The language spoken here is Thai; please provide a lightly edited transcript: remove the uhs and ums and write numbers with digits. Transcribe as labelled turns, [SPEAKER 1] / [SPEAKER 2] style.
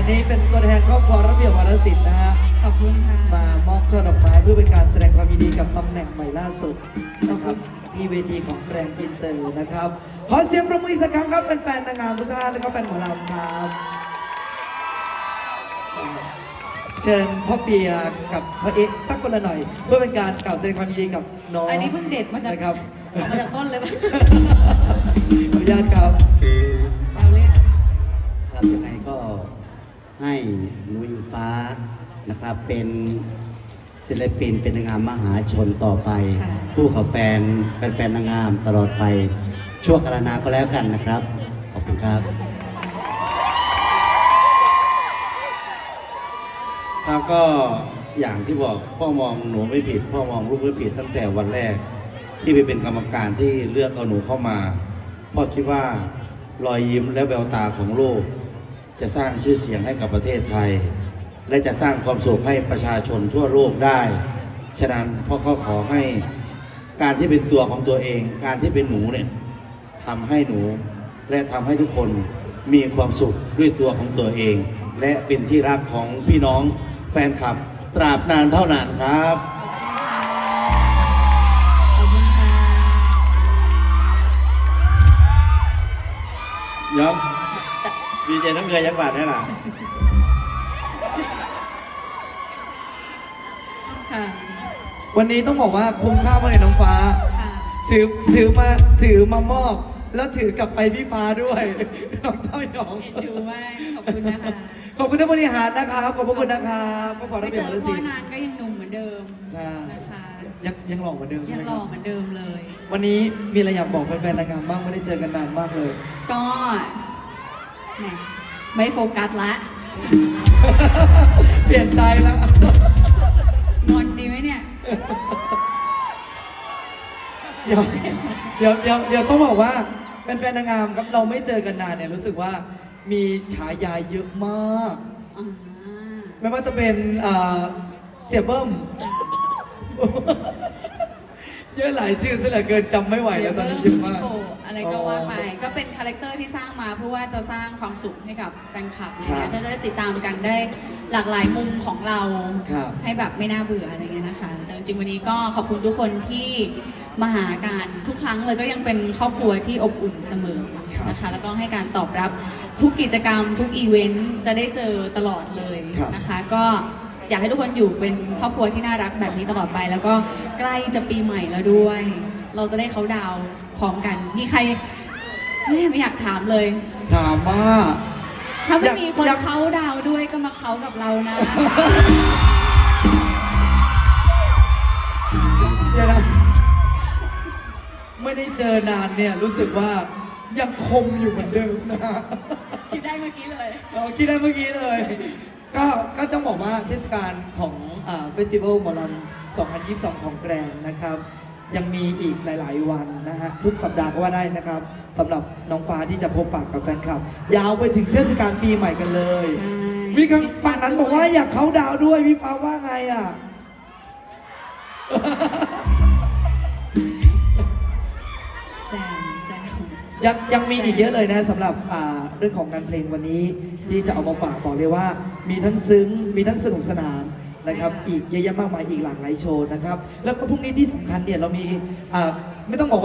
[SPEAKER 1] นี้เป็นตัวแทนครอบครัวระเบียบวรรณศิลป์นะฮะ
[SPEAKER 2] ขอบคุณค่ะ
[SPEAKER 1] มามอบช่อดอกไม้เพื่อเป็นการแสดงความยินดีกับตำแหน่งใหม่ล่าสุดนะครับที่เวทีของแบรนด์อินเตอร์นะครับขอเสียงประมือสักครั้งครับแฟนๆนางงามทุกท่านและก็แฟนหมอลำครับเชิญพ่อเปียกับพ่อเอ๊ะสักคนละหน่อยเพื่อเป็นการกล่าวแสดงความยินดีกับน้อง
[SPEAKER 2] อันนี้เพิ่งเด็ดมาจาก
[SPEAKER 1] นะครับ
[SPEAKER 2] มาจากต้นเลยป่ะ
[SPEAKER 1] ขออนุญาตครับ
[SPEAKER 2] แซวเล่น
[SPEAKER 3] ครับยังไงก็ให้หนูอิงฟ้านะครับเป็นศิลปินเป็นนางงามมหาชนต่อไปคู่กับแฟนนางงามตลอดไปชั่วกาลนานก็แล้วกันนะครับขอบคุณครับ
[SPEAKER 4] ครับก็อย่างที่บอกพ่อมองหนูไม่ผิดพ่อมองลูกไม่ผิดตั้งแต่วันแรกที่ไปเป็นกรรมการที่เลือกเอาหนูเข้ามาพ่อคิดว่ารอยยิ้มและแววตาของลูกจะสร้างชื่อเสียงให้กับประเทศไทยและจะสร้างความสุขให้ประชาชนทั่วโลกได้ฉะนั้นพ่อก็ขอให้การที่เป็นตัวของตัวเองการที่เป็นหนูเนี่ยทำให้หนูและทำให้ทุกคนมีความสุขด้วยตัวของตัวเองและเป็นที่รักของพี่น้องแฟนคลับตราบนานเท่านานครับ
[SPEAKER 2] ขอบคุณค่ะ
[SPEAKER 4] ยอมดีเจน้ำเกลือยักษ์บาทได้หรอ
[SPEAKER 1] วันนี้ต้องบอกว่าคุ้มค่ามากเลยน้องฟ้าถือมามอบแล้วถือกลับไปพี่ฟ้าด้วยน้องเต้ายอง
[SPEAKER 2] ถือว่าขอบคุณนะคะ
[SPEAKER 1] ขอบคุณท่านบริหารนะครับขอบคุณนะครับก็ขอรับ
[SPEAKER 2] ไม่เจอพ่อนานก็ยังหนุ่มเหมือนเดิมนะคะ
[SPEAKER 1] ยังหล่อเหมือนเดิมใช่ไหม
[SPEAKER 2] ยังหล่อเหมือนเดิมเลย
[SPEAKER 1] วันนี้มีอะไรอยากบอกแฟนๆนางงามบ้างไม่ได้เจอกันนานมากเลย
[SPEAKER 2] ก็เนี่ยไม่โฟกัสละ
[SPEAKER 1] เปลี่ยนใจแล้ว
[SPEAKER 2] งอนดีไหมเนี่ย
[SPEAKER 1] เดี๋ยวต้องบอกว่าแฟนๆนางงามครับเราไม่เจอกันนานเนี่ยรู้สึกว่ามีฉายาเยอะมากไม่ว่าจะเป็นเสี่ยเบิ้มเยอะหลายชื่อซะเหลือเกินจำไม่ไหวแล้วตอนนี้เยอะมาก
[SPEAKER 2] อะไรก็ว่าไปก็เป็นคาแรคเตอร์ที่สร้างมาเพื่อว่าจะสร้างความสุขให้กับแฟนคลับนะคะจะได้ติดตามกันได้หลากหลายมุมของเราให้แบบไม่น่าเบื่ออะไรเงี้ยนะคะแต่จริงๆวันนี้ก็ขอบคุณทุกคนที่มาหากันทุกครั้งเลยก็ยังเป็นครอบครัวที่อบอุ่นเสมอนะคะแล้วก็ให้การตอบรับทุกกิจกรรมทุกอีเวนต์จะได้เจอตลอดเลยนะคะก็อยากให้ทุกคนอยู่เป็นครอบครัวที่น่ารักแบบนี้ตลอดไปแล้วก็ใกล้จะปีใหม่แล้วด้วยเราจะได้เขาดาวพร้อมกันมีใครไม่อยากถามเลย
[SPEAKER 1] ถามว่า
[SPEAKER 2] ถ้าไม่มีคนเขาดาวด้วยก็มาเขากับเรานะ
[SPEAKER 1] เดี๋ยวนะไม่ได้เจอนานเนี่ยรู้สึกว่ายังคมอยู่เหมือนเดิมนะ
[SPEAKER 2] คิดได้เมื่อกี้เลย
[SPEAKER 1] คิดได้เมื่อกี้เลยก็ต้องบอกว่าเทศกาลของเฟสติวัลหมอลำ2022ของแกรนนะครับยังมีอีกหลายๆวันนะฮะทุกสัปดาห์ก็ว่าได้นะครับสำหรับน้องฟ้าที่จะพบปะกับแฟนคลับยาวไปถึงเทศกาลปีใหม่กันเลยมีคำฝั่งนั้นบอกว่าอยากเขาดาวด้วยพี่ฟ้าว่าไงอ่ะยังมีอีกเยอะเลยนะสำหรับเรื่องของงานเพลงวันนี้ที่จะเอามาฝากบอกเลยว่ามีทั้งซึ้งมีทั้งสนุกสนานนะครับอีกเยอะแยะมากมายอีกหลากหลายโชว์นะครับแล้วก็พรุ่งนี้ที่สำคัญเนี่ยเรามีไม่ต้องบอก